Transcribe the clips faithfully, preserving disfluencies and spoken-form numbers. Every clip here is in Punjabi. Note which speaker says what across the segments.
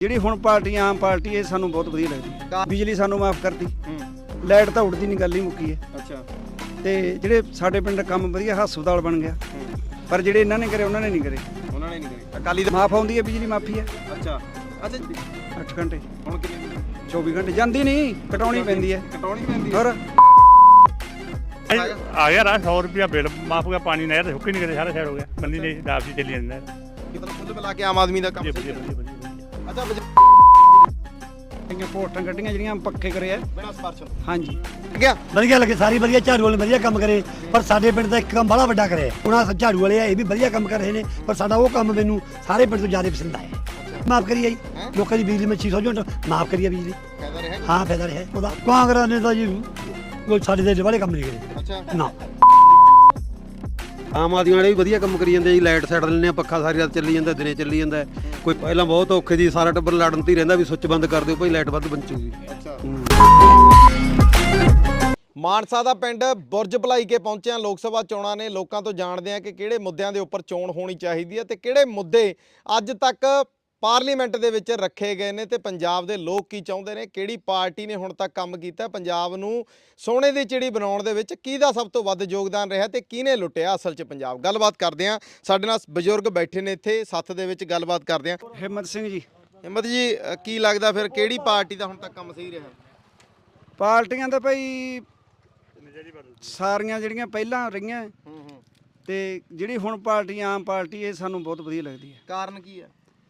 Speaker 1: ਜਿਹੜੀ ਹੁਣ ਪਾਰਟੀ ਆਮ ਪਾਰਟੀ ਇਹ ਸਾਨੂੰ ਬਹੁਤ ਵਧੀਆ ਲੱਗਦੀ। ਬਿਜਲੀ ਸਾਨੂੰ ਮਾਫ ਕਰਤੀ, ਲਾਈਟ ਤਾਂ ਉੱਡਦੀ ਨਹੀਂ, ਗੱਲ ਹੀ ਮੁੱਕੀ ਹੈ।
Speaker 2: ਅੱਛਾ।
Speaker 1: ਤੇ ਜਿਹੜੇ ਸਾਡੇ ਪਿੰਡ ਕੰਮ ਵਧੀਆ ਹਸਪਤਾਲ ਬਣ ਗਿਆ, ਪਰ ਜਿਹੜੇ ਇਹਨਾਂ ਨੇ ਕਰੇ ਉਹਨਾਂ ਨੇ ਨਹੀਂ ਕਰੇ।
Speaker 2: ਉਹਨਾਂ ਨੇ ਨਹੀਂ ਕਰੇ। ਅਕਾਲੀ ਦਲ
Speaker 1: ਮਾਫ ਆਉਂਦੀ ਹੈ, ਬਿਜਲੀ ਮਾਫੀ ਹੈ।
Speaker 2: ਅੱਛਾ ਅੱਛਾ।
Speaker 1: ਅੱਠ ਘੰਟੇ
Speaker 2: ਹੁਣ ਕਿੰਨੇ?
Speaker 1: ਚੌਵੀ ਘੰਟੇ ਜਾਂਦੀ ਨਹੀਂ, ਕਟਾਉਣੀ ਪੈਂਦੀ ਹੈ।
Speaker 2: ਕਟਾਉਣੀ ਪੈਂਦੀ ਹੈ।
Speaker 1: ਹੋਰ
Speaker 3: आ गया रहा सौ रुपया बिल माफ हो गया, पानी नहर तो हुक्की नहीं करे, सारा साइड हो गया, बंदी नहीं दाब से चली जाता है।
Speaker 2: ਮਤਲਬ ਕੁੱਲ ਮਿਲਾ ਕੇ ਆਮ ਆਦਮੀ ਦਾ ਕੰਮ
Speaker 3: बढ़िया
Speaker 2: ਸਹੀ
Speaker 3: बढ़िया
Speaker 2: ਹੈ।
Speaker 3: बढ़िया बढ़िया।
Speaker 2: ਅੱਛਾ
Speaker 1: ਕਈਆਂ ਪੋਸਟਾਂ ਕੱਢੀਆਂ ਜਿਹੜੀਆਂ ਪੱਕੇ ਕਰੇ ਆ।
Speaker 2: ਬਿਨਾਂ ਸਪਾਰਸ਼
Speaker 1: ਹਾਂਜੀ
Speaker 2: ਗਿਆ
Speaker 4: ਵਧੀਆ ਲੱਗੇ, ਸਾਰੀ ਵਧੀਆ ਝਾੜੂ ਵਾਲੇ ਵਧੀਆ ਕੰਮ ਕਰੇ, ਪਰ ਸਾਡੇ ਪਿੰਡ ਦਾ ਇੱਕ ਕੰਮ ਬੜਾ ਵੱਡਾ ਕਰੇ। ਉਹਨਾਂ ਝਾੜੂ ਵਾਲੇ ਆ, ਇਹ ਵੀ ਵਧੀਆ ਕੰਮ ਕਰ ਰਹੇ ਨੇ, ਪਰ ਸਾਡਾ ਉਹ ਕੰਮ ਮੈਨੂੰ ਸਾਰੇ ਪਿੰਡ ਤੋਂ ਜ਼ਿਆਦਾ ਪਸੰਦ ਆਇਆ। ਮਾਫ ਕਰੀਏ ਜੀ ਲੋਕਾਂ ਦੀ ਬਿਜਲੀ ਵਿੱਚ ਛੇ ਸੌ ਯੂਨਿਟ ਮਾਫ ਕਰੀਏ ਬਿਜਲੀ।
Speaker 2: ਫਾਇਦਾ ਰਿਹਾ।
Speaker 4: ਹਾਂ ਫਾਇਦਾ ਰਿਹਾ ਉਹਦਾ। ਕਾਂਗਰਸ ਨੇ ਤਾਂ ਜੀ ਕੋਈ ਸਾਡੇ ਦੇ ਵਾਲੇ ਕੰਮ ਨਹੀਂ ਕਰੇ
Speaker 2: ਅੱਛਾ।
Speaker 4: ਨਾ।
Speaker 5: ਆਮ ਆਦਮੀ ਵਾਲੇ ਵੀ ਵਧੀਆ ਕੰਮ ਕਰੀ ਜਾਂਦੇ ਜੀ। ਲਾਈਟ ਛੱਡ ਲੈਂਦੇ ਆ, ਪੱਖਾ ਸਾਰੀ ਰਾਤ ਚੱਲੀ ਜਾਂਦਾ, ਦਿਨੇ ਚੱਲੀ ਜਾਂਦਾ। ਕੋਈ ਪਹਿਲਾਂ ਬਹੁਤ ਔਖੇ ਦੀ ਸਾਰਾ ਟੱਬਰ ਲੜਨ ਤੇ ਹੀ ਰਹਿੰਦਾ ਵੀ ਸੁੱਚ ਬੰਦ ਕਰ ਦਿਓ ਭਾਈ, ਲਾਈਟ ਵੱਧ ਬਚੂਗੀ।
Speaker 2: ਅੱਛਾ। ਮਾਨਸਾ ਦਾ ਪਿੰਡ ਬੁਰਜ ਭਲਾਈ ਕੇ ਪਹੁੰਚਿਆ। ਲੋਕ ਸਭਾ ਚੋਣਾਂ ਨੇ, ਲੋਕਾਂ ਤੋਂ ਜਾਣਦੇ ਆ ਕਿ ਕਿਹੜੇ ਮੁੱਦਿਆਂ ਦੇ ਉੱਪਰ ਚੋਣ ਹੋਣੀ ਚਾਹੀਦੀ ਹੈ ਤੇ ਕਿਹੜੇ ਮੁੱਦੇ ਅੱਜ ਤੱਕ ਪਾਰਲੀਮੈਂਟ ਦੇ ਵਿੱਚ ਰੱਖੇ ਗਏ ਨੇ ਤੇ ਪੰਜਾਬ ਦੇ ਲੋਕ ਕੀ ਚਾਹੁੰਦੇ ਨੇ, ਕਿਹੜੀ ਪਾਰਟੀ ਨੇ ਹੁਣ ਤੱਕ ਕੰਮ ਕੀਤਾ, ਪੰਜਾਬ ਨੂੰ ਸੋਨੇ ਦੀ ਚਿੜੀ ਬਣਾਉਣ ਦੇ ਵਿੱਚ ਕਿਹਦਾ ਸਭ ਤੋਂ ਵੱਧ ਯੋਗਦਾਨ ਰਿਹਾ ਤੇ ਕਿਹਨੇ ਲੁੱਟਿਆ ਅਸਲ 'ਚ ਪੰਜਾਬ। ਗੱਲਬਾਤ ਕਰਦੇ ਆ, ਸਾਡੇ ਨਾਲ ਬਜ਼ੁਰਗ ਬੈਠੇ ਨੇ ਇੱਥੇ ਸੱਥ ਦੇ ਵਿੱਚ, ਗੱਲਬਾਤ ਕਰਦੇ ਆ।
Speaker 1: ਹਿੰਮਤ ਸਿੰਘ ਜੀ।
Speaker 2: ਹਿੰਮਤ ਜੀ, ਅ, ਕੀ ਲੱਗਦਾ ਫਿਰ ਕਿਹੜੀ ਪਾਰਟੀ ਦਾ ਹੁਣ ਤੱਕ ਕੰਮ ਸਹੀ ਰਿਹਾ?
Speaker 1: ਪਾਰਟੀਆਂ ਤਾਂ ਭਾਈ ਸਾਰੀਆਂ ਜਿਹੜੀਆਂ ਪਹਿਲਾਂ ਰਹੀਆਂ
Speaker 2: ਹੂੰ ਹੂੰ।
Speaker 1: ਤੇ ਜਿਹੜੀ ਹੁਣ ਪਾਰਟੀ ਆਮ ਪਾਰਟੀ ਇਹ ਸਾਨੂੰ ਬਹੁਤ ਵਧੀਆ ਲੱਗਦੀ ਹੈ।
Speaker 2: ਕਾਰਨ ਕੀ ਹੈ?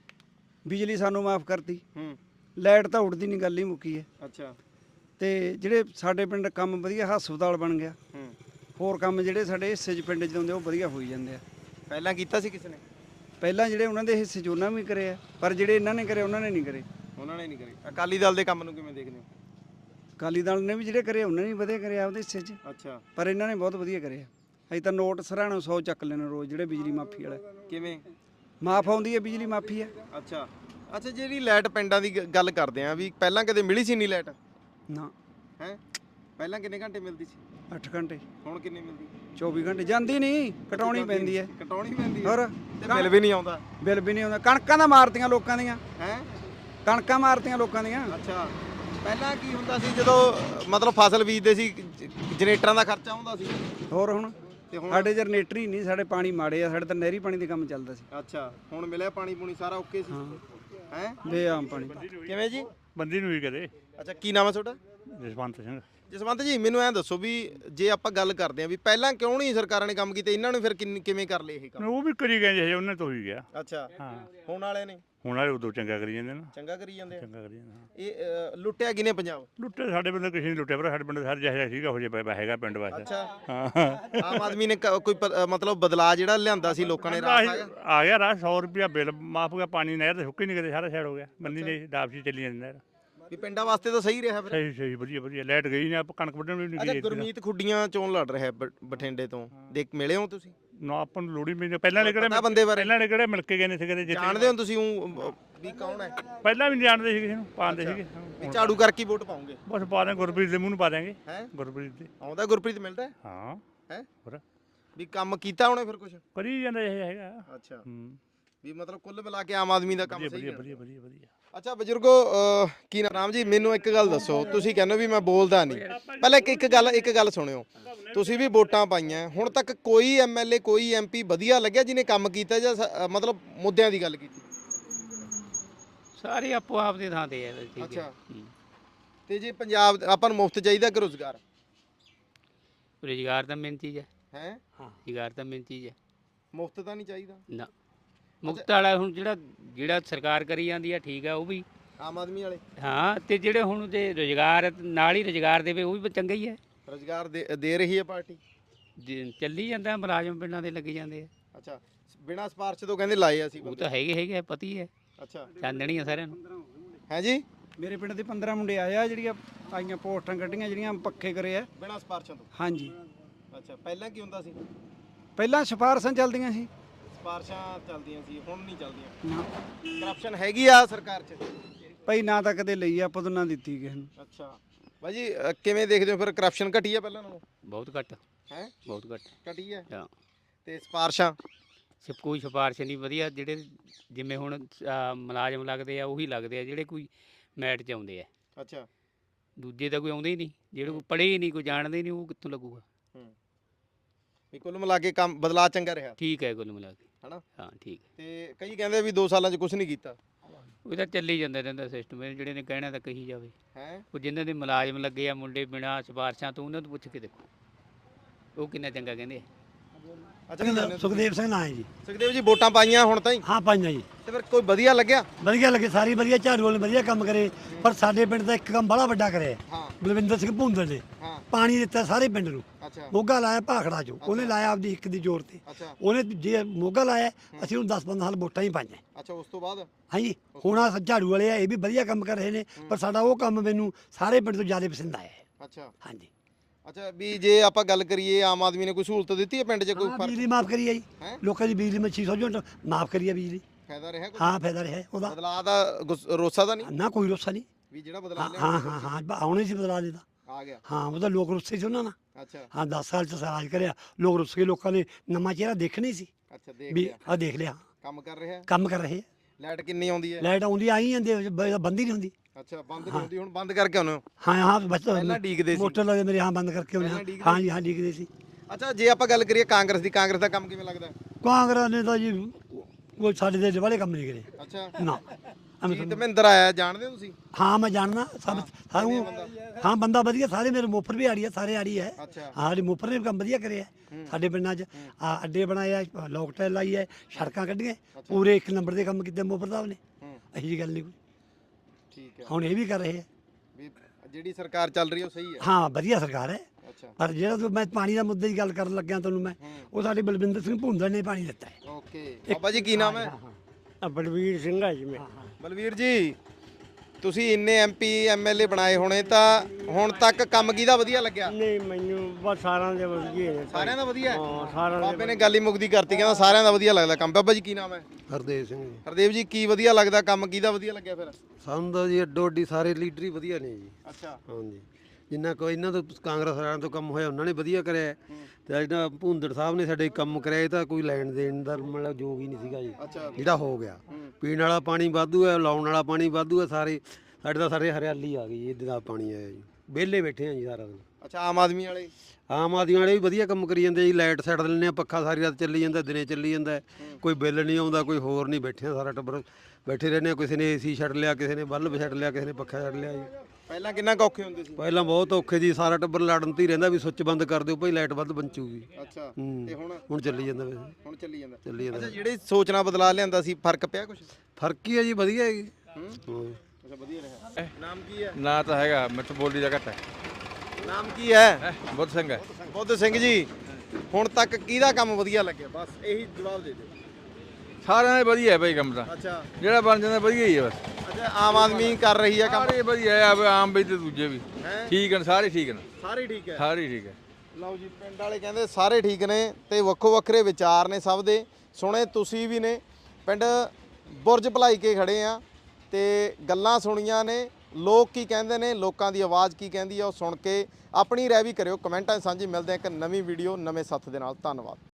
Speaker 1: ਬਿਜਲੀ ਸਾਨੂੰ ਮਾਫ ਕਰਤੀ,
Speaker 2: ਹੂੰ।
Speaker 1: ਲਾਈਟ ਤਾਂ ਉੱਡਦੀ ਨਹੀਂ, ਗੱਲ ਹੀ ਮੁੱਕੀ ਹੈ।
Speaker 2: ਅੱਛਾ।
Speaker 1: ਤੇ ਜਿਹੜੇ ਸਾਡੇ ਪਿੰਡ ਕੰਮ ਵਧੀਆ ਹਸਪਤਾਲ ਬਣ ਗਿਆ,
Speaker 2: ਹੂੰ।
Speaker 1: ਹੋਰ ਕੰਮ ਜਿਹੜੇ ਸਾਡੇ ਹਿੱਸੇ 'ਚ ਪਿੰਡ 'ਚ ਆਉਂਦੇ ਉਹ ਵਧੀਆ ਹੋਈ ਜਾਂਦੇ ਆ।
Speaker 2: ਪਹਿਲਾਂ ਕੀਤਾ ਸੀ ਕਿਸੇ ਨੇ?
Speaker 1: ਪਹਿਲਾਂ ਜਿਹੜੇ ਉਹਨਾਂ ਦੇ ਹਿੱਸੇ 'ਚ ਉਹਨਾਂ ਵੀ ਕਰੇ ਆ, ਪਰ ਜਿਹੜੇ ਇਹਨਾਂ ਨੇ ਕਰੇ ਉਹਨਾਂ ਨੇ ਨਹੀਂ ਕਰੇ।
Speaker 2: ਉਹਨਾਂ ਨੇ ਨਹੀਂ ਕਰੇ। ਅਕਾਲੀ ਦਲ ਦੇ ਕੰਮ ਨੂੰ ਕਿਵੇਂ ਦੇਖਦੇ ਹੋ?
Speaker 1: ਅਕਾਲੀ ਦਲ ਨੇ ਵੀ ਜਿਹੜੇ ਕਰੇ ਉਹਨਾਂ ਨੇ ਵੀ ਵਧੀਆ ਕਰਿਆ ਆਪਦੇ ਹਿੱਸੇ 'ਚ,
Speaker 2: ਅੱਛਾ।
Speaker 1: ਪਰ ਇਹਨਾਂ ਨੇ ਬਹੁਤ ਵਧੀਆ ਕਰਿਆ। ਅਸੀਂ ਤਾਂ ਨੋਟ ਸਰਾਣੋਂ ਸੌ ਚੱਕ ਲੈਣ ਰੋਜ਼, ਜਿਹੜੇ ਬਿਜਲੀ ਮਾਫੀ ਵਾਲੇ।
Speaker 2: ਕਿਵੇਂ?
Speaker 1: ਮਾਫ ਆਉਂਦੀ ਹੈ, ਬਿਜਲੀ ਮਾਫੀ ਹੈ।
Speaker 2: ਅੱਛਾ ਅੱਛਾ। ਜਿਹੜੀ ਲਾਈਟ ਪਿੰਡਾਂ ਦੀ ਗ- ਗੱਲ ਕਰਦੇ ਆ, ਵੀ ਪਹਿਲਾਂ ਕਦੇ ਮਿਲੀ ਸੀ ਨਹੀਂ ਲਾਈਟ?
Speaker 1: ਨਾ,
Speaker 2: ਹੈ ਪਹਿਲਾਂ ਕਿੰਨੇ ਘੰਟੇ ਮਿਲਦੀ ਸੀ?
Speaker 1: ਅੱਠ ਘੰਟੇ
Speaker 2: ਹੁਣ ਕਿੰਨੇ ਮਿਲਦੀ?
Speaker 1: ਚੌਵੀ ਘੰਟੇ ਜਾਂਦੀ ਨਹੀਂ, ਕਟਾਉਣੀ ਪੈਂਦੀ ਹੈ।
Speaker 2: ਕਟਾਉਣੀ ਪੈਂਦੀ ਹੈ।
Speaker 1: ਹੋਰ
Speaker 2: ਤੇ ਬਿੱਲ ਵੀ ਨਹੀਂ ਆਉਂਦਾ?
Speaker 1: ਬਿੱਲ ਵੀ ਨਹੀਂ ਆਉਂਦਾ। ਕਣਕਾਂ ਦਾ ਮਾਰਤੀਆਂ ਲੋਕਾਂ ਦੀਆਂ,
Speaker 2: ਹੈ।
Speaker 1: ਕਣਕਾਂ ਮਾਰਤੀਆਂ ਲੋਕਾਂ ਦੀਆਂ।
Speaker 2: ਅੱਛਾ। ਪਹਿਲਾਂ ਕੀ ਹੁੰਦਾ ਸੀ ਜਦੋਂ ਅ, ਮਤਲਬ ਫਸਲ ਬੀਜਦੇ ਸੀ, ਜ- ਜਨਰੇਟਰਾਂ ਦਾ ਖਰਚਾ ਹੁੰਦਾ ਸੀ?
Speaker 1: ਹੋਰ ਹੁਣ
Speaker 2: ਤੇ ਹੁਣ?
Speaker 1: ਸਾਡੇ ਜਨਰੇਟਰ ਹੀ ਨਹੀਂ, ਸਾਡੇ ਪਾਣੀ ਮਾੜੇ ਆ, ਸਾਡੇ ਤਾਂ ਨਹਿਰੀ ਪਾਣੀ ਦੇ ਕੰਮ ਚੱਲਦਾ ਸੀ।
Speaker 2: ਅੱਛਾ। ਹੁਣ ਮਿਲਿਆ ਪਾਣੀ ਪੂਣੀ ਸਾਰਾ ਓਕੇ ਸੀ? ਹੈ।
Speaker 1: ਬੇਆਮ ਪਾਣੀ।
Speaker 2: ਕਿਵੇਂ ਜੀ?
Speaker 3: बंदी नहीं हुई करे।
Speaker 2: ਅੱਛਾ। ਕੀ ਨਾਮ ਹੈ ਤੁਹਾਡਾ?
Speaker 3: जसवंत सिंह।
Speaker 2: ਜਸਵੰਤ ਜੀ, ਮੈਨੂੰ ਐਂ ਦੱਸੋ ਵੀ ਜੇ ਆਪਾਂ ਗੱਲ ਕਰਦੇ ਆਂ ਵੀ ਪਹਿਲਾਂ ਕਿਉਂ ਨਹੀਂ ਸਰਕਾਰਾਂ ਨੇ ਕੰਮ ਕੀਤੇ, ਇਹਨਾਂ ਨੂੰ ਫਿਰ ਕਿੰਨ- ਕਿਵੇਂ ਕਰ ਲਏ ਇਹ ਕੰਮ?
Speaker 3: वो भी करी गए जैसे उन्हें तो हुई गया।
Speaker 2: ਅੱਛਾ।
Speaker 3: हाँ
Speaker 2: ਹੁਣ ਵਾਲੇ ਨੇ
Speaker 3: हूँ वाले उदो चंगा करी जाते ना,
Speaker 2: ਚੰਗਾ ਕਰੀ ਜਾਂਦੇ ਆ।
Speaker 3: चंगा करी जाते।
Speaker 2: ਇਹ ਅ, ਲੁੱਟਿਆ ਕਿਨੇ ਪੰਜਾਬ?
Speaker 3: लुट्टे साढ़े बंदे किसी ने लुट्टे, पर साढ़े पिंड हर जैसा ठीक हो जाए हैगा पिंड वास्ते।
Speaker 2: ਅੱਛਾ।
Speaker 3: हाँ
Speaker 2: ਆਮ ਆਦਮੀ ਨੇ ਕ- ਕੋਈ ਪ- ਅ, ਮਤਲਬ ਬਦਲਾਅ ਜਿਹੜਾ ਲਿਆਂਦਾ ਸੀ ਲੋਕਾਂ ਨੇ, ਰਾਹ ਆਇਆ?
Speaker 3: आ गया रहा सौ रुपया बिल माफ हो गया, पानी नहर तो हुक्की नहीं करे, सारा साइड हो गया, बंदी नहीं दाब से चली जाता है।
Speaker 2: ਵੀ ਪਿੰਡਾਂ ਵਾਸਤੇ ਤਾਂ ਸਹੀ ਰਿਹਾ ਫਿਰ?
Speaker 3: सही सही बढ़िया बढ़िया। लाइट गई ना, कणक वड्ढण भी नहीं
Speaker 2: ਅੱਛਾ।
Speaker 3: गई।
Speaker 2: ਗੁਰਮੀਤ ਖੁੱਡੀਆਂ ਚੋਣ ਲੜ ਰਿਹਾ ਬ- ਬਠਿੰਡੇ ਤੋਂ, ਦੇਖ ਮਿਲੇ ਹੋ ਤੁਸੀਂ?
Speaker 3: ਨਾ ਆਪਾਂ ਨੂੰ ਲੋੜੀ ਮੈਨੂੰ ਪਹਿਲਾਂ ਨੇ ਕਿਹੜੇ
Speaker 2: ਪਤਾ ਬੰਦੇ ਬਾਰੇ?
Speaker 3: ਪਹਿਲਾਂ ਨੇ ਕਿਹੜੇ ਮਿਲ ਕੇ ਗਏ ਨੇ ਸੀਗੇ ਜਿੱਤੇ।
Speaker 2: ਜਾਣਦੇ ਹੋ ਤੁਸੀਂ ਊਂ, ਵੀ ਕੌਣ ਹੈ?
Speaker 3: ਪਹਿਲਾਂ ਵੀ ਨਹੀਂ ਜਾਣਦੇ ਸੀ ਕਿਸੇ ਨੂੰ, ਪਾਉਂਦੇ ਸੀਗੇ।
Speaker 2: ਵੀ ਝਾੜੂ ਕਰਕੇ ਵੋਟ ਪਾਉਂਗੇ?
Speaker 3: ਬਸ ਪਾ ਦੇ ਗੁਰਪ੍ਰੀਤ ਦੇ ਮੂੰਹ ਨੂੰ ਪਾ ਦੇਂਗੇ।
Speaker 2: ਹੈ।
Speaker 3: ਗੁਰਪ੍ਰੀਤ ਦੇ।
Speaker 2: ਆਉਂਦਾ ਗੁਰਪ੍ਰੀਤ ਮਿਲਦਾ ਹੈ?
Speaker 3: ਹਾਂ
Speaker 2: ਹੈ।
Speaker 3: ਹੋਰ
Speaker 2: ਵੀ ਕੰਮ ਕੀਤਾ ਉਹਨੇ ਫਿਰ ਕੁਝ?
Speaker 3: ਕਰੀ ਜਾਂਦਾ ਇਹ ਹੈਗਾ।
Speaker 2: ਅੱਛਾ।
Speaker 3: ਹੂੰ
Speaker 2: ਵੀ ਮਤਲਬ ਕੁੱਲ ਮਿਲਾ ਕੇ ਆਮ ਆਦਮੀ ਦਾ ਕੰਮ
Speaker 3: ਵਧੀਆ
Speaker 2: ਸਹੀ
Speaker 3: ਵਧੀਆ
Speaker 2: ਹੈ।
Speaker 3: ਵਧੀਆ ਵਧੀਆ ਵਧੀਆ।
Speaker 2: ਅੱਛਾ ਬਜ਼ੁਰਗੋ, ਅਹ, ਕੀ ਨਾਮ ਜੀ? ਮੈਨੂੰ ਇੱਕ ਗੱਲ ਦੱਸੋ, ਤੁਸੀਂ ਕਹਿੰਦੇ ਹੋ ਵੀ ਮੈਂ ਬੋਲਦਾ ਨਹੀਂ, ਪਹਿਲਾਂ ਇੱਕ ਇੱਕ ਗੱਲ ਇੱਕ ਗੱਲ ਸੁਣਿਓ। ਤੁਸੀਂ ਵੀ ਵੋਟਾਂ ਪਾਈਆਂ, ਹੁਣ ਤੱਕ ਕੋਈ ਐਮਐਲਏ ਕੋਈ ਐਮਪੀ ਵਧੀਆ ਲੱਗਿਆ ਜਿਹਨੇ ਕੰਮ ਕੀਤਾ ਜਾਂ ਸ- ਅ, ਮਤਲਬ ਮੁੱਦਿਆਂ ਦੀ ਗੱਲ ਕੀਤੀ?
Speaker 6: ਸਾਰੇ ਆਪੋ ਆਪ ਦੇ ਥਾਂ ਤੇ ਹੈ। ਠੀਕ ਹੈ।
Speaker 2: ਅੱਛਾ।
Speaker 6: ਹੂੰ।
Speaker 2: ਤੇ ਜੇ ਪੰਜਾਬ ਆਪਾਂ ਨੂੰ ਮੁਫਤ ਚਾਹੀਦਾ ਕਿ ਰੁਜ਼ਗਾਰ?
Speaker 6: ਰੁਜ਼ਗਾਰ ਤਾਂ ਮੇਨ ਚੀਜ਼ ਹੈ।
Speaker 2: ਹੈ।
Speaker 6: ਰੁਜ਼ਗਾਰ ਤਾਂ ਮੇਨ ਚੀਜ਼ ਹੈ
Speaker 2: ਮੁਫਤ ਤਾਂ ਨਹੀਂ ਚਾਹੀਦਾ?
Speaker 6: ਨਾ। ਮੁਕਤ ਵਾਲਾ ਹੁਣ ਜਿਹੜਾ ਜਿਹੜਾ ਸਰਕਾਰ ਕਰੀ ਜਾਂਦੀ ਹੈ ਠੀਕ ਹੈ, ਉਹ ਵੀ
Speaker 2: ਆਮ ਆਦਮੀ ਵਾਲੇ
Speaker 6: ਹਾਂ। ਤੇ ਜਿਹੜੇ ਹੁਣ ਜੇ ਰੁਜ਼ਗਾਰ ਨਾਲ ਹੀ ਰੁਜ਼ਗਾਰ ਦੇਵੇ ਉਹ ਵੀ ਚੰਗਾ ਹੀ ਹੈ।
Speaker 2: ਰੁਜ਼ਗਾਰ ਦੇ ਦੇ ਰਹੀ ਹੈ ਪਾਰਟੀ?
Speaker 6: ਜੇ ਚੱਲੀ ਜਾਂਦਾ, ਮੁਲਾਜ਼ਮ ਪਿੰਡਾਂ ਦੇ ਲੱਗੇ ਜਾਂਦੇ ਆ।
Speaker 2: ਅੱਛਾ। ਬਿਨਾਂ ਸਿਫਾਰਸ਼ ਤੋਂ ਕਹਿੰਦੇ ਲਾਏ ਅਸੀਂ
Speaker 6: ਉਹ
Speaker 2: ਬੰਦੇ।
Speaker 6: ਤਾਂ ਹੈਗੇ ਹੈਗੇ ਪਤੀ ਹੈ,
Speaker 2: ਅੱਛਾ।
Speaker 6: ਚਾਨਣੀ ਆ ਸਾਰਿਆਂ ਨੂੰ।
Speaker 2: ਹੈ ਜੀ।
Speaker 1: ਮੇਰੇ ਪਿੰਡ ਦੇ ਪੰਦਰਾਂ ਮੁੰਡੇ ਆਏ ਆ, ਜਿਹੜੀਆਂ ਆਈਆਂ ਪੋਸਟਾਂ ਕੱਢੀਆਂ, ਜਿਹੜੀਆਂ ਪੱਕੇ ਕਰੇ ਆ।
Speaker 2: ਬਿਨਾਂ ਸਿਫਾਰਸ਼ਾਂ ਤੋਂ?
Speaker 1: ਹਾਂਜੀ।
Speaker 2: ਅੱਛਾ। ਪਹਿਲਾਂ ਕੀ ਹੁੰਦਾ ਸੀ?
Speaker 1: ਪਹਿਲਾਂ ਸਿਫਾਰਸ਼ਾਂ ਚੱਲਦੀਆਂ ਸੀ।
Speaker 2: ਸਿਫਾਰਸ਼ਾਂ ਚੱਲਦੀਆਂ ਸੀ, ਹੁਣ ਨਹੀਂ ਚੱਲਦੀਆਂ?
Speaker 1: ਨਾ
Speaker 2: ਕਰਪਸ਼ਨ ਹੈਗੀ ਆ ਸਰਕਾਰ 'ਚ?
Speaker 1: ਭਾਈ ਨਾ ਤਾਂ ਕਦੇ ਲਈ ਆ, ਆਪਾਂ ਤੋਂ ਨਾ ਦਿੱਤੀ ਕਿਸੇ ਨੂੰ।
Speaker 2: ਅੱਛਾ। ਬਾਜੀ, ਅ, ਕਿਵੇਂ ਦੇਖਦੇ ਹੋ ਫਿਰ, ਕਰਪਸ਼ਨ ਘਟੀ ਆ ਪਹਿਲਾਂ ਨਾਲੋਂ?
Speaker 6: ਬਹੁਤ ਘੱਟ
Speaker 2: ਹੈ।
Speaker 6: ਬਹੁਤ ਘੱਟ
Speaker 2: ਘਟੀ ਹੈ।
Speaker 6: ਹਾਂ।
Speaker 2: ਤੇ ਸਿਫਾਰਸ਼ਾਂ?
Speaker 6: ਸਿ- ਕੋਈ ਸਿਫਾਰਿਸ਼ ਨਹੀਂ ਵਧੀਆ, ਜਿਹੜੇ ਜਿਵੇਂ ਹੁਣ ਅਹ, ਮੁਲਾਜ਼ਮ ਲੱਗਦੇ ਆ ਉਹੀ ਲੱਗਦੇ ਆ ਜਿਹੜੇ ਕੋਈ ਮੈਟ 'ਚ ਆਉਂਦੇ ਆ,
Speaker 2: ਅੱਛਾ
Speaker 6: ਦੂਜੇ ਤਾਂ ਕੋਈ ਆਉਂਦੇ ਹੀ ਨਹੀਂ, ਜਿਹੜੇ ਕੋਈ ਪੜ੍ਹੇ ਹੀ ਨਹੀਂ, ਕੋਈ ਜਾਣਦੇ ਹੀ ਨਹੀਂ, ਉਹ ਕਿੱਥੋਂ ਲੱਗੂਗਾ।
Speaker 2: ਵੀ ਕੁੱਲ ਮਿਲਾ ਕੇ ਕੰਮ ਬਦਲਾ ਚੰਗਾ ਰਿਹਾ
Speaker 6: ਠੀਕ ਹੈ ਕੁੱਲ ਮਿਲਾ ਕੇ,
Speaker 2: ਹਨਾ।
Speaker 6: ਹਾਂ ਠੀਕ ਹੈ।
Speaker 2: ਤੇ ਕਈ ਕਹਿੰਦੇ ਵੀ ਦੋ ਸਾਲਾਂ 'ਚ ਕੁਝ ਨਹੀਂ ਕੀਤਾ
Speaker 6: ਉਹ ਤਾਂ ਚੱਲੀ ਜਾਂਦਾ ਰਹਿੰਦਾ ਸਿਸਟਮ, ਜਿਹੜੇ ਨੇ ਕਹਿਣਾ ਤਾਂ ਕਹੀ ਜਾਵੇ।
Speaker 2: ਹੈ।
Speaker 6: ਉਹ ਜਿਨ੍ਹਾਂ ਦੇ ਮੁਲਾਜ਼ਮ ਲੱਗੇ ਆ ਮੁੰਡੇ ਬਿਨਾਂ ਸਿਫਾਰਸ਼ਾਂ ਤੋਂ, ਉਹਨਾਂ ਤੋਂ ਪੁੱਛ ਕੇ ਦੇਖੋ ਉਹ ਕਿੰਨਾ ਚੰਗਾ ਕਹਿੰਦੇ ਆ।
Speaker 2: ਅੱਛਾ
Speaker 4: ਸੁਖਦੇਵ ਸਿੰਘ ਨਾਂ ਹੈ ਜੀ।
Speaker 2: ਸੁਖਦੇਵ ਜੀ ਵੋਟਾਂ ਪਾਈਆਂ ਹੁਣ ਤਾਂ ਹੀ,
Speaker 4: ਹਾਂ ਪਾਈਆਂ ਜੀ।
Speaker 2: ਤੇ ਫਿਰ ਕੋਈ ਵਧੀਆ ਲੱਗਿਆ?
Speaker 4: ਵਧੀਆ ਲੱਗੇ, ਸਾਰੀ ਵਧੀਆ, ਝਾੜੂ ਵਾਲੇ ਵਧੀਆ ਕੰਮ ਕਰੇ, ਪਰ ਸਾਡੇ ਪਿੰਡ ਦਾ ਇੱਕ ਕੰਮ ਬੜਾ ਵੱਡਾ ਕਰਿਆ
Speaker 2: ਹਾਂ
Speaker 4: ਬਲਵਿੰਦਰ ਸਿੰਘ ਭੁੰਦੜ ਨੇ।
Speaker 2: ਹਾਂ
Speaker 4: ਪਾਣੀ ਦਿੱਤਾ ਸਾਰੇ ਪਿੰਡ ਨੂੰ।
Speaker 2: ਅੱਛਾ
Speaker 4: ਮੋਗਾ ਲਾਇਆ ਭਾਖੜਾ ਚੋਂ, ਉਹਨੇ ਲਾਇਆ ਆਪਦੀ ਇੱਕ ਦੀ ਜ਼ੋਰ ਤੇ।
Speaker 2: ਅੱਛਾ
Speaker 4: ਉਹਨੇ ਜੇ ਮੋਗਾ ਲਾਇਆ, ਅਸੀਂ ਉਹਨੂੰ ਦਸ ਪੰਦਰਾਂ ਸਾਲ ਵੋਟਾਂ ਹੀ ਪਾਈਆਂ।
Speaker 2: ਅੱਛਾ ਉਸ ਤੋਂ ਬਾਅਦ
Speaker 4: ਹਾਂਜੀ, ਹੁਣ ਆ ਝਾੜੂ ਵਾਲੇ ਆ, ਇਹ ਵੀ ਵਧੀਆ ਕੰਮ ਕਰ ਰਹੇ ਨੇ, ਪਰ ਸਾਡਾ ਉਹ ਕੰਮ ਮੈਨੂੰ ਸਾਰੇ ਪਿੰਡ ਤੋਂ ਜ਼ਿਆਦਾ ਪਸੰਦ ਆਇਆ ਹੈ।
Speaker 2: ਅੱਛਾ
Speaker 4: ਹਾਂਜੀ।
Speaker 2: ਅੱਛਾ ਵੀ ਜੇ ਆਪਾਂ ਗੱਲ ਕਰੀਏ ਆਮ ਆਦਮੀ ਨੇ ਕੋਈ ਸਹੂਲਤ ਦਿੱਤੀ ਹੈ ਪਿੰਡ 'ਚ, ਕੋਈ
Speaker 4: ਹਾਂ,
Speaker 2: ਫਰਕ
Speaker 4: ਬਿਜਲੀ ਮਾਫ ਕਰੀ ਆ ਜੀ,
Speaker 2: ਹੈਂ?
Speaker 4: ਲੋਕਾਂ ਦੀ ਬਿਜਲੀ ਮੈਂ ਛੇ ਸੌ ਯੂਨਿਟ ਮਾਫ ਕਰੀ ਆ ਬਿਜਲੀ।
Speaker 2: ਫਾਇਦਾ ਰਿਹਾ ਕੋਈ?
Speaker 4: ਹਾਂ ਫਾਇਦਾ ਰਿਹਾ ਉਹਦਾ,
Speaker 2: ਬਦਲਾਅ ਦਾ ਗੁੱਸ- ਰੋਸਾ ਤਾਂ ਨਹੀਂ
Speaker 4: ਨਾ ਕੋਈ ਰੋਸਾ ਨਹੀਂ।
Speaker 2: ਵੀ ਜਿਹੜਾ ਬਦਲਾ
Speaker 4: ਹਾਂ
Speaker 2: ਲਿਆ
Speaker 4: ਹਾਂ ਹਾਂ ਹਾਂ, ਆਉਣੇ ਸੀ ਬਦਲਾ ਦੇਦਾ।
Speaker 2: ਆ ਗਿਆ?
Speaker 4: ਹਾਂ, ਉਹਦਾ ਲੋਕ ਰੁੱਸੇ ਸੀ ਉਹਨਾਂ ਨਾਲ।
Speaker 2: ਅੱਛਾ
Speaker 4: ਹਾਂ, ਦਸ ਸਾਲ ਚ ਰਾਜ ਕਰਿਆ, ਲੋਕ ਰੁੱਸ ਗਏ, ਲੋਕਾਂ ਨੇ ਨਵਾਂ ਚਿਹਰਾ ਦੇਖਣਾ ਹੀ ਸੀ
Speaker 2: ਅੱਛਾ ਦੇਖ
Speaker 4: ਵੀ
Speaker 2: ਲਿਆ
Speaker 4: ਆ ਦੇਖ ਲਿਆ
Speaker 2: ਕੰਮ ਕਰ ਰਿਹਾ।
Speaker 4: ਕੰਮ ਕਰ ਰਹੇ ਆ।
Speaker 2: ਲਾਈਟ ਕਿੰਨੀ ਆਉਂਦੀ ਹੈ?
Speaker 4: ਲਾਈਟ ਆਉਂਦੀ ਆਈ ਜਾਂਦੀ ਹੈ, ਬ- ਬੰਦ ਹੀ ਨਹੀਂ ਹੁੰਦੀ।
Speaker 2: ਅੱਛਾ ਬੰਦ ਨਹੀਂ ਹੁੰਦੀ, ਹੁਣ ਬੰਦ ਕਰਕੇ ਆਉਂਦੇ ਹੋ?
Speaker 4: ਹਾਂ ਹਾਂ ਬਸ
Speaker 2: ਪਹਿਲਾਂ ਡੀਕਦੇ ਸੀ।
Speaker 4: ਮੋਟਰ ਲੱਗੇ ਮੇਰੇ, ਹਾਂ ਬੰਦ ਕਰਕੇ ਆਉਂਦੇ
Speaker 2: ਪਹਿਲਾਂ
Speaker 4: ਹਾਂ।
Speaker 2: ਡੀਕਦੇ
Speaker 4: ਹਾਂ ਜੀ ਹਾਂ ਡੀਕਦੇ ਸੀ।
Speaker 2: ਅੱਛਾ ਜੇ ਆਪਾਂ ਗੱਲ ਕਰੀਏ ਕਾਂਗਰਸ ਦੀ, ਕਾਂਗਰਸ ਦਾ ਕੰਮ ਕਿਵੇਂ ਲੱਗਦਾ?
Speaker 4: ਕਾਂਗਰਸ ਨੇ ਤਾਂ ਜੀ ਕੋਈ ਸਾਡੇ ਦੇ ਵਾਲੇ ਕੰਮ ਨਹੀਂ ਕਰੇ
Speaker 2: ਅੱਛਾ
Speaker 4: ਨਾ। ਐਵੇਂ
Speaker 2: ਜੀਤ ਮਹਿੰਦਰ ਆਇਆ, ਜਾਣਦੇ ਹੋ ਤੁਸੀਂ?
Speaker 4: ਹਾਂ ਮੈਂ ਜਾਣਦਾ ਸਭ ਸਾਨੂੰ। ਹਾਂ ਬੰਦਾ ਵਧੀਆ, ਸਾਰੇ ਮੇਰੇ ਮੁਫਰ ਵੀ ਆੜੀ ਆ, ਸਾਰੇ ਆੜੀ ਹੈ।
Speaker 2: ਅੱਛਾ
Speaker 4: ਹਾਂ ਸਾਡੇ ਮੁਫਰ ਨੇ ਵੀ ਕੰਮ ਵਧੀਆ ਕਰਿਆ ਸਾਡੇ ਪਿੰਡਾਂ 'ਚ। ਆ ਅੱਡੇ ਬਣਾਏ ਆ, ਲੋਕ ਟੈਲ ਲਾਈ ਹੈ, ਸੜਕਾਂ ਕੱਢੀਆਂ, ਪੂਰੇ ਇੱਕ ਨੰਬਰ ਦੇ ਕੰਮ ਕੀਤੇ ਮੁਫਰ ਸਾਹਿਬ ਨੇ।
Speaker 2: ਹੂੰ
Speaker 4: ਇਹੀ ਜਿਹੀ ਗੱਲ ਨਹੀਂ ਕੋਈ।
Speaker 2: ਠੀਕ ਹੈ
Speaker 4: ਹੁਣ ਇਹ ਵੀ ਕਰ ਰਹੇ ਆ।
Speaker 2: ਵੀ ਜਿਹੜੀ ਸਰਕਾਰ ਚੱਲ ਰਹੀ ਹੈ ਉਹ ਸਹੀ ਹੈ?
Speaker 4: ਹਾਂ ਵਧੀਆ ਸਰਕਾਰ ਹੈ,
Speaker 2: ਅੱਛਾ
Speaker 4: ਪਰ ਜਿਹੜਾ ਤੂੰ ਮੈਂ ਪਾਣੀ ਦਾ ਮੁੱਦੇ ਦੀ ਗੱਲ ਕਰਨ ਲੱਗਿਆ ਤੁਹਾਨੂੰ ਮੈਂ, ਉਹ ਸਾਡੇ ਬਲਵਿੰਦਰ ਸਿੰਘ ਭੁੰਦੜ ਨੇ ਪਾਣੀ ਦਿੱਤਾ ਹੈ।
Speaker 2: ਓਕੇ ਬਾਬਾ ਜੀ ਕੀ ਨਾਮ ਹੈ?
Speaker 4: ਬਲਵੀਰ ਸਿੰਘ ਹੈ ਜੀ ਮੈਂ।
Speaker 2: ਬਲਵੀਰ ਜੀ ਤੁਸੀਂ ਇੰਨੇ ਐਮਪੀ ਐਮਐਲਏ ਬਣਾਏ ਹੋਣੇ, ਤਾਂ ਹੁਣ ਤੱਕ ਕੰਮ ਕਿਹਦਾ ਵਧੀਆ ਲੱਗਿਆ?
Speaker 4: ਨਹੀਂ ਮੈਨੂੰ ਬਸ ਸਾਰਿਆਂ ਦੇ ਵਧੀਆ ਨੇ।
Speaker 2: ਸਾਰਿਆਂ ਦਾ ਵਧੀਆ ਹੈ?
Speaker 4: ਹਾਂ ਸਾਰਿਆਂ
Speaker 2: ਬਾਬੇ ਨੇ ਗੱਲ ਹੀ ਮੁਕਦੀ ਕਰਤੀ, ਕਹਿੰਦਾ ਸਾਰਿਆਂ ਦਾ ਵਧੀਆ ਲੱਗਦਾ ਕੰਮ। ਬਾਬਾ ਜੀ ਕੀ ਨਾਮ ਹੈ?
Speaker 5: ਹਰਦੇਵ ਸਿੰਘ ਜੀ।
Speaker 2: ਹਰਦੇਵ ਜੀ ਕੀ ਵਧੀਆ ਲੱਗਦਾ ਕੰਮ, ਕਿਹਦਾ ਵਧੀਆ ਲੱਗਿਆ ਫਿਰ?
Speaker 5: ਸਾਨੂੰ ਤਾਂ ਜੀ ਅੱਡੋ ਅੱਡੀ ਸਾਰੇ ਲੀਡਰ ਹੀ ਵਧੀਆ ਨੇ ਜੀ।
Speaker 2: ਅੱਛਾ
Speaker 5: ਹਾਂਜੀ, ਜਿੰਨਾ ਕੋਈ ਇਹਨਾਂ ਤੋਂ ਕਾਂਗਰਸ ਵਾਲਿਆਂ ਤੋਂ ਕੰਮ ਹੋਇਆ ਉਹਨਾਂ ਨੇ ਵਧੀਆ ਕਰਿਆ, ਤੇ ਜਿਹੜਾ ਭੁੰਦੜ ਸਾਹਿਬ ਨੇ ਸਾਡੇ ਕੰਮ ਕਰਿਆ, ਇਹ ਤਾਂ ਕੋਈ ਲੈਣ ਦੇਣ ਦਾ ਮਤਲਬ ਜੋ ਵੀ ਨਹੀਂ ਸੀਗਾ ਜੀ।
Speaker 2: ਅੱਛਾ
Speaker 5: ਜਿਹੜਾ ਹੋ ਗਿਆ, ਪੀਣ ਵਾਲਾ ਪਾਣੀ ਵਾਧੂ ਹੈ, ਲਾਉਣ ਵਾਲਾ ਪਾਣੀ ਵਾਧੂ ਹੈ, ਸਾਰੇ ਸਾਡੇ ਤਾਂ ਸਾਰੇ ਹਰਿਆਲੀ ਆ ਗਈ ਜੀ, ਇਹਦੇ ਦਾ ਪਾਣੀ ਆਇਆ ਜੀ, ਵਿਹਲੇ ਬੈਠੇ ਆ ਜੀ ਸਾਰਾ ਦਿਨ।
Speaker 2: ਅੱਛਾ ਆਮ ਆਦਮੀ ਵਾਲੇ?
Speaker 5: ਆਮ ਆਦਮੀ ਵਾਲੇ ਵੀ ਵਧੀਆ ਕੰਮ ਕਰੀ ਜਾਂਦੇ ਜੀ, ਲਾਈਟ ਛੱਡ ਦਿੰਦੇ ਆ, ਪੱਖਾ ਸਾਰੀ ਰਾਤ ਚੱਲੀ ਜਾਂਦਾ, ਦਿਨੇ ਚੱਲੀ ਜਾਂਦਾ, ਕੋਈ ਬਿੱਲ ਨਹੀਂ ਆਉਂਦਾ, ਕੋਈ ਹੋਰ ਨਹੀਂ, ਬੈਠੇ ਆ ਸਾਰਾ ਟੱਬਰ ਬੈਠੇ ਰਹਿੰਦੇ ਆ। ਕਿਸੇ ਨੇ ਏਸੀ ਛੱਡ ਲਿਆ, ਕਿਸੇ ਨੇ ਬਲਬ ਛੱਡ ਲਿਆ, ਕਿਸੇ ਨੇ ਪੱਖਾ ਛੱਡ ਲਿਆ ਜੀ।
Speaker 2: ਪਹਿਲਾਂ ਕਿੰਨਾ ਕੁ ਔਖੇ ਹੁੰਦੇ ਸੀ?
Speaker 5: ਪਹਿਲਾਂ ਬਹੁਤ ਔਖੇ ਜੀ, ਸਾਰਾ ਟੱਬਰ ਲੜਨ ਤੇ ਹੀ ਰਹਿੰਦਾ ਵੀ ਸੁੱਚ ਬੰਦ ਕਰ ਦਿਓ ਭਾਈ, ਲਾਈਟ ਵੱਧ ਬਚੂਗੀ।
Speaker 2: ਅੱਛਾ
Speaker 5: ਹੂੰ।
Speaker 2: ਤੇ ਹੁਣ?
Speaker 5: ਹੁਣ ਚੱਲੀ ਜਾਂਦਾ ਵੈਸੇ,
Speaker 2: ਹੁਣ ਚੱਲੀ ਜਾਂਦਾ।
Speaker 5: ਚੱਲੀ ਜਾਂਦਾ।
Speaker 2: ਅੱਛਾ ਜਿਹੜੇ ਸੋਚਣਾ ਬਦਲਾ ਲਿਆਂਦਾ ਸੀ, ਫਰਕ ਪਿਆ ਕੁਝ?
Speaker 5: ਫਰਕ ਹੀ ਹੈ ਜੀ, ਵਧੀਆ ਹੈ ਜੀ।
Speaker 2: ਹੂੰ
Speaker 5: ਹਾਂ।
Speaker 2: ਅੱਛਾ ਵਧੀਆ ਰਿਹਾ। ਨਾਮ ਕੀ ਹੈ?
Speaker 7: ਨਾ ਤਾਂ ਹੈਗਾ, ਮੈਨੂੰ ਬੋਲੀ ਦਾ ਘੱਟ ਹੈ।
Speaker 2: ਨਾਮ ਕੀ ਹੈ?
Speaker 7: ਬੁੱਧ ਸਿੰਘ ਹੈ।
Speaker 2: ਬੁੱਧ ਸਿੰਘ ਜੀ ਹੁਣ ਤੱਕ ਕਿਹਦਾ ਕੰਮ ਵਧੀਆ ਲੱਗਿਆ? ਬਸ ਇਹੀ ਜਵਾਬ ਦੇ ਦਿਓ।
Speaker 7: ਸਾਰਿਆਂ ਦਾ ਵਧੀਆ ਹੈ ਬਈ ਕੰਮ ਤਾਂ,
Speaker 2: ਅੱਛਾ
Speaker 7: ਜਿਹੜਾ ਬਣ ਜਾਂਦਾ ਵਧੀਆ ਹੀ ਹੈ ਬਸ।
Speaker 2: ਅੱਛਾ ਆਮ ਆਦਮੀ ਕਰ ਰਹੀ ਹੈ ਕੰਮ?
Speaker 7: ਸਾਰੇ ਵਧੀਆ ਹੈ, ਆਪ- ਆਮ ਵੀ ਤੇ ਦੂਜੇ ਵੀ
Speaker 2: ਹੈਂ?
Speaker 7: ਠੀਕ ਹਨ, ਸਾਰੇ ਠੀਕ ਨੇ,
Speaker 2: ਸਾਰੇ ਠੀਕ ਹੈ।
Speaker 7: ਸਾਰੇ ਠੀਕ ਹੈ।
Speaker 2: ਲਓ ਜੀ ਪਿੰਡ ਵਾਲੇ ਕਹਿੰਦੇ ਸਾਰੇ ਠੀਕ ਨੇ, ਤੇ ਵੱਖੋ ਵੱਖਰੇ ਵਿਚਾਰ ਨੇ ਸਭ ਦੇ, ਸੁਣੇ ਤੁਸੀਂ ਵੀ ਨੇ। ਪਿੰਡ ਬੁਰਜ ਭਲਾਈ ਕੇ ਖੜੇ ਆ ਤੇ ਗੱਲਾਂ ਸੁਣੀਆਂ ਨੇ, ਲੋਕ ਕੀ ਕਹਿੰਦੇ ਨੇ, ਲੋਕਾਂ ਦੀ ਆਵਾਜ਼ ਕੀ ਕਹਿੰਦੀ ਆ, ਉਹ ਸੁਣ ਕੇ ਆਪਣੀ ਰਾਏ ਵੀ ਕਰਿਓ ਕਮੈਂਟਾਂ 'ਚ ਸਾਂਝੀ। ਮਿਲਦੇ ਆ ਇੱਕ ਨਵੀਂ ਵੀਡੀਓ ਨਵੇਂ ਸਾਥ ਦੇ ਨਾਲ। ਧੰਨਵਾਦ।